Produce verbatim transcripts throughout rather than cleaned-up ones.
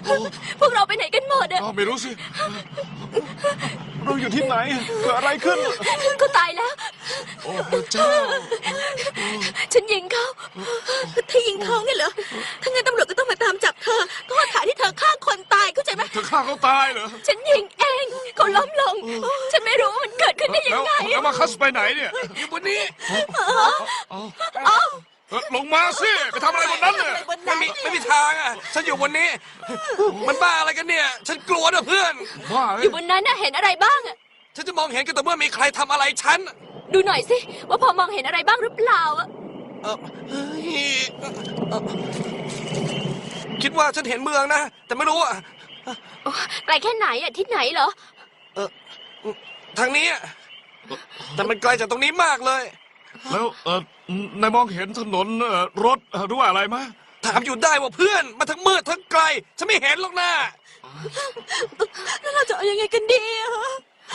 พวกเราไปไหนกันหมดอะไม่รู้สิเราอยู่ที่ไหนเกิดอะไรขึ้นเขาตายแล้วโอ้พระเจ้าฉันยิงเขาเธอยิงเขาไงเหรอถ้างั้นตำรวจก็ต้องมาตามจับเธอข้อหาที่เธอฆ่าคนตายเข้าใจไหมเธอฆ่าเขาตายเหรอฉันยิงเองเขาล้มลง ฉันไม่รู้ว่ามันเกิดขึ้นได้ยัแล้วงไงแล้วมาคัสไปไหนเนี่ยอยู่บนนี้ลงมาสิไปทำอะไรบนนั้นเนี่ยไม่มีไม่มีทางอ่ะฉันอยู่บนนี้ มันบ้าอะไรกันเนี่ย ฉันกลัวนะเพื่อนบ้าอเอ้ยยู่บนนั้นน่ะเห็นอะไรบ้างอะฉันจะมองเห็นก็แต่อเมื่อมีใครทำอะไรฉันดูหน่อยสิว่าพอมองเห็นอะไรบ้างหรือเปล่าอะเออเฮ้ยเอ่อคิดว่าฉันเห็นเมืองนะ แต่ไม่รู้อ่ะโอ้ไกลแค่ไหนอะที่ไหนเหรอเออทางนี้อะแต่มันไกลจากตรงนี้มากเลยแล้วเออนายมองเห็นถนนเอ่อรถเอ่อหรือว่าอะไรไหมถามอยู่ได้ว่าเพื่อนมาทั้งมืดทั้งไกล ฉันไม่เห็นหรอกนะแล้วเราจะเอายังไงกันดีอะฮะ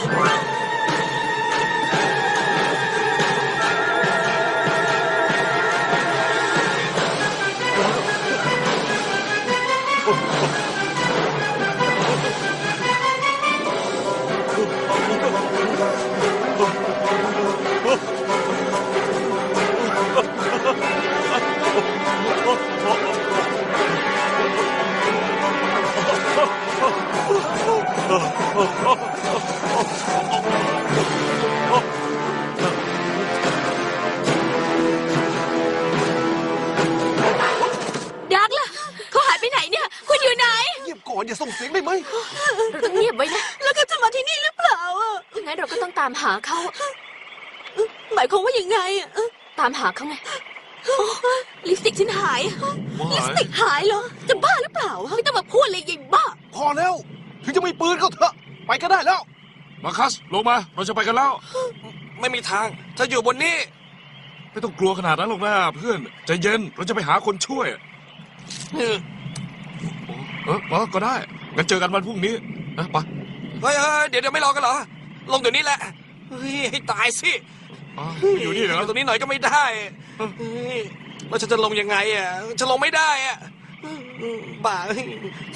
ดักล่ะเขาหายไปไหนเนี่ยคุณอยู่ไหนเงียบก่อนอย่าส่งเสียงได้ไหมเราต้องเงียบไว้นะแล้วก็จะมาที่นี่หรือเปล่าอะงั้นเราก็ต้องตามหาเขาหมายความว่ายังไงอะเอ้อตามหาเขาไงลิปสติกฉันหายลิปสติกหายเหรอจะบ้าหรือเปล่าไม่ต้องมาพูดเลยยายบ้าพอแล้ว ถึงจะมีปืนก็เถอะ ไปก็ได้แล้วมาคัสลงมาเราจะไปกันแล้วไม่มีทางฉันอยู่บนนี้ไม่ต้องกลัวขนาดนั้นหรอกนะเพื่อนใจเย็นเราจะไปหาคนช่วยเออเออเออก็ได้งั้นเจอกันวันพรุ่งนี้นะไปเฮ้ยเฮ้ยเดี๋ยวเดี๋ยวไม่รอกันเหรอ ลงเดี๋ยวนี้แหละ เฮ้ยให้ตายสิอ๋ออยู่นี่เหรอตรงนี้หน่อยก็ไม่ได้เฮ้ยแล้วฉันจะลงยังไงอ่ะฉันลงไม่ได้อ่ะบ้า